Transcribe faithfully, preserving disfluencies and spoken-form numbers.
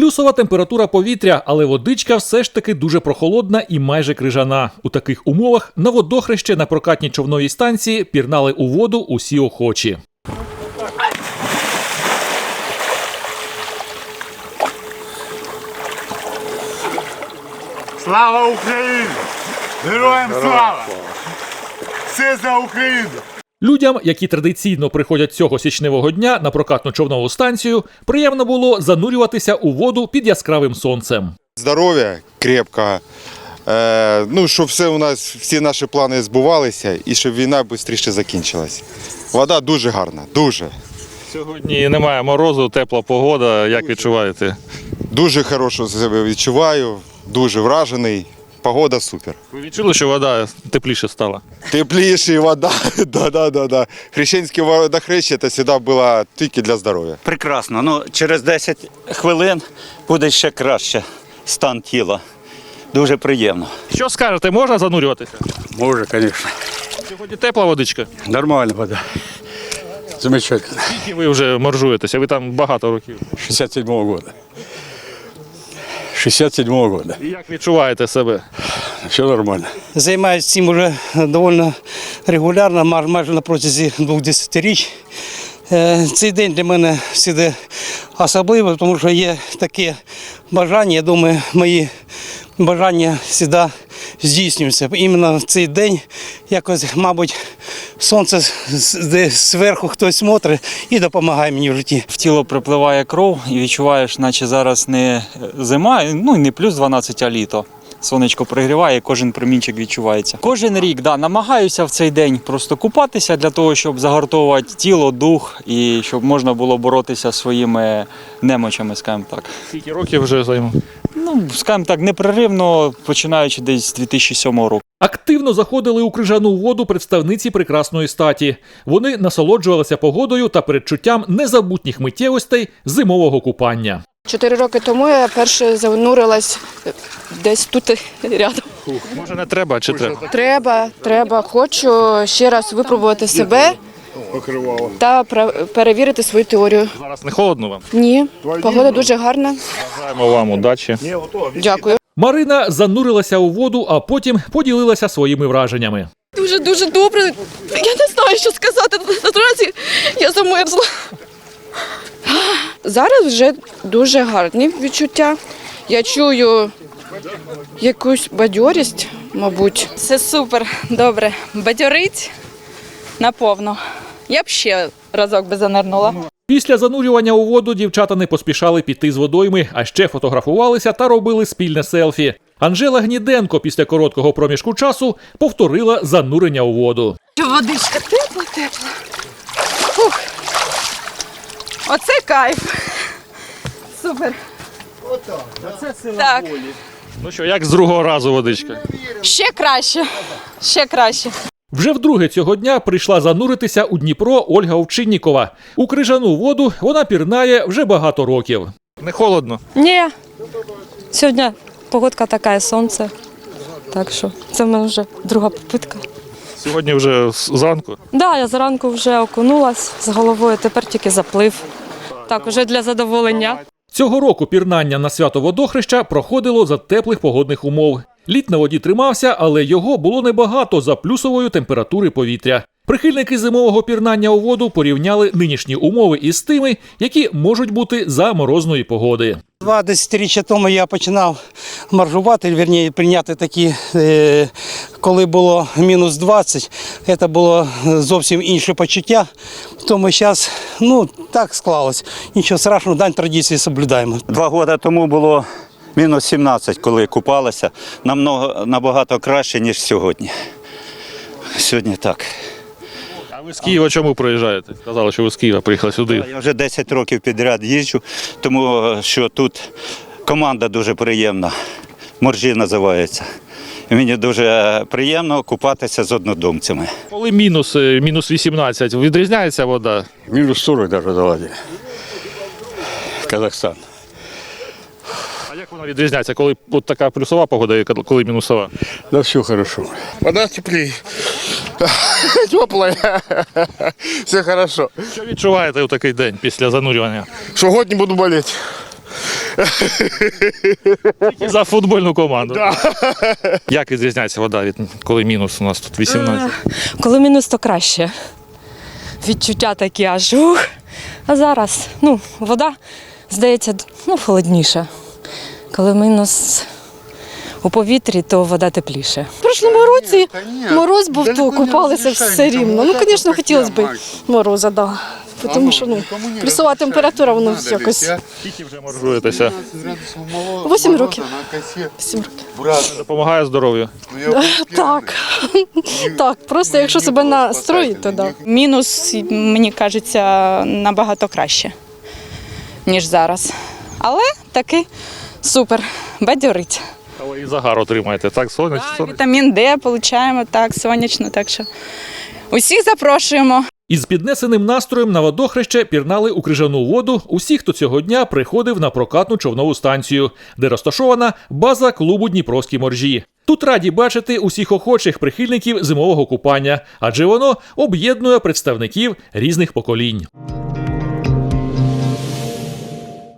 Плюсова температура повітря, але водичка все ж таки дуже прохолодна і майже крижана. У таких умовах на водохреще на прокатній човновій станції пірнали у воду усі охочі. Слава Україні! Героям слава! Все за Україну! Людям, які традиційно приходять цього січневого дня на прокатну човнову станцію, приємно було занурюватися у воду під яскравим сонцем. Здоров'я крепкого, е, ну, щоб все у нас, всі наші плани збувалися і щоб війна швидше закінчилась. Вода дуже гарна, дуже. Сьогодні немає морозу, тепла погода. Як відчуваєте? Дуже хорошо себе відчуваю, дуже вражений. Погода супер. Ви відчули, що вода тепліше стала? Тепліша вода, да-да-да. Хрещенське водохреще це завжди було тільки для здоров'я. Прекрасно. Ну, через десять хвилин буде ще краще стан тіла. Дуже приємно. Що скажете, можна занурюватися? Може, звісно. Сьогодні тепла водичка. Нормальна вода. Замечательно. Скільки ви вже моржуєтеся? Ви там багато років. шістдесят седьмого года. шістдесят седьмого года. І як відчуваєте себе? Все нормально. Займаюся цим вже доволі регулярно, майже на протязі двох десятиріч. Цей день для мене завжди особливий, тому що є таке бажання, я думаю, мої бажання завжди здійснюються. Іменно в цей день якось, мабуть, сонце зверху хтось смотрить і допомагає мені в житті. В тіло припливає кров і відчуваєш, наче зараз не зима, ну і не плюс дванадцять, а літо. Сонечко пригріває, кожен промінчик відчувається. Кожен рік, да, намагаюся в цей день просто купатися для того, щоб загартовувати тіло, дух і щоб можна було боротися зі своїми немочами, скажімо так. Скільки років вже займу? Ну, скажімо так, непреривно, починаючи десь з дві тисячі сьомого року. Активно заходили у крижану воду представниці прекрасної статі. Вони насолоджувалися погодою та передчуттям незабутніх миттєвостей зимового купання. Чотири роки тому я перше занурилась десь тут рядом. Може не треба чи треба? Треба, треба. Хочу ще раз випробувати себе та перевірити свою теорію. Зараз не холодно вам? Ні, погода дуже гарна. Бажаємо вам удачі. Дякую. Марина занурилася у воду, а потім поділилася своїми враженнями. Дуже-дуже добре. Я не знаю, що сказати. Наразі я замерзла. Зараз вже дуже гарні відчуття. Я чую якусь бадьорість, мабуть. Це супер, добре. Бадьорить наповно. Я б ще разок би занирнула. Після занурювання у воду дівчата не поспішали піти з водойми, а ще фотографувалися та робили спільне селфі. Анжела Гніденко після короткого проміжку часу повторила занурення у воду. Водичка тепла-тепла. Фух. Оце кайф. Супер. Так. Ну що, як з другого разу водичка? Ще краще. Ще краще. Вже вдруге цього дня прийшла зануритися у Дніпро Ольга Овчиннікова. У крижану воду вона пірнає вже багато років. Не холодно? Ні. Сьогодні погодка така, сонце. Так що це в мене вже друга попитка. Сьогодні вже зранку? Так, да, я зранку вже окунулась з головою, тепер тільки заплив. Так, уже для задоволення. Цього року пірнання на свято водохреща проходило за теплих погодних умов. Лід на воді тримався, але його було небагато за плюсової температури повітря. Прихильники зимового пірнання у воду порівняли нинішні умови із тими, які можуть бути за морозної погоди. Два десятиріччя тому я починав моржувати, вірніше, прийняти такі, е, коли було мінус двадцять, це було зовсім інше почуття. Тому зараз, ну, так склалось. Нічого страшного, дань традиції соблюдаємо. Два роки тому було мінус сімнадцять, коли купалися. Намного, набагато краще, ніж сьогодні. Сьогодні так. А ви з Києва чому приїжджаєте? Сказали, що ви з Києва приїхали сюди. Я вже десять років підряд їжджу, тому що тут команда дуже приємна. Моржі називається. І мені дуже приємно купатися з однодумцями. Коли мінус, мінус вісімнадцять, відрізняється вода? Мінус сорок навіть давати. Казахстан. А як вона відрізняється, коли от така плюсова погода і коли мінусова? Да все хорошо. Вода теплее. Теплая. Все хорошо. Що відчуваєте у такий день після занурювання? Що год не буду болеть. І за футбольну команду. Як відрізняється вода від коли мінус у нас тут вісімнадцять? Коли мінус, то краще. Відчуття такі аж ух. А зараз, ну, вода, здається, ну, холодніша. Коли мінус у повітрі, то вода тепліше. В прошлому році мороз був, то купалися все рівно. Ну, звісно, хотілося б мороза, да. Тому що ну, плюсова температура, воно якось. Скільки вже моржуєтеся? Вісім років. Вісім років. Допомагає здоров'ю? Так. Так, просто якщо себе настроїти, то да. Мінус, мені кажеться, набагато краще, ніж зараз. Але таки супер, бадьорить. Але і загар отримаєте, так? Сонячно? Так, вітамін Д отримуємо, так, сонячно, так що усіх запрошуємо. Із піднесеним настроєм на водохреще пірнали у крижану воду усі, хто цього дня приходив на прокатну човнову станцію, де розташована база клубу «Дніпровські моржі». Тут раді бачити усіх охочих прихильників зимового купання, адже воно об'єднує представників різних поколінь.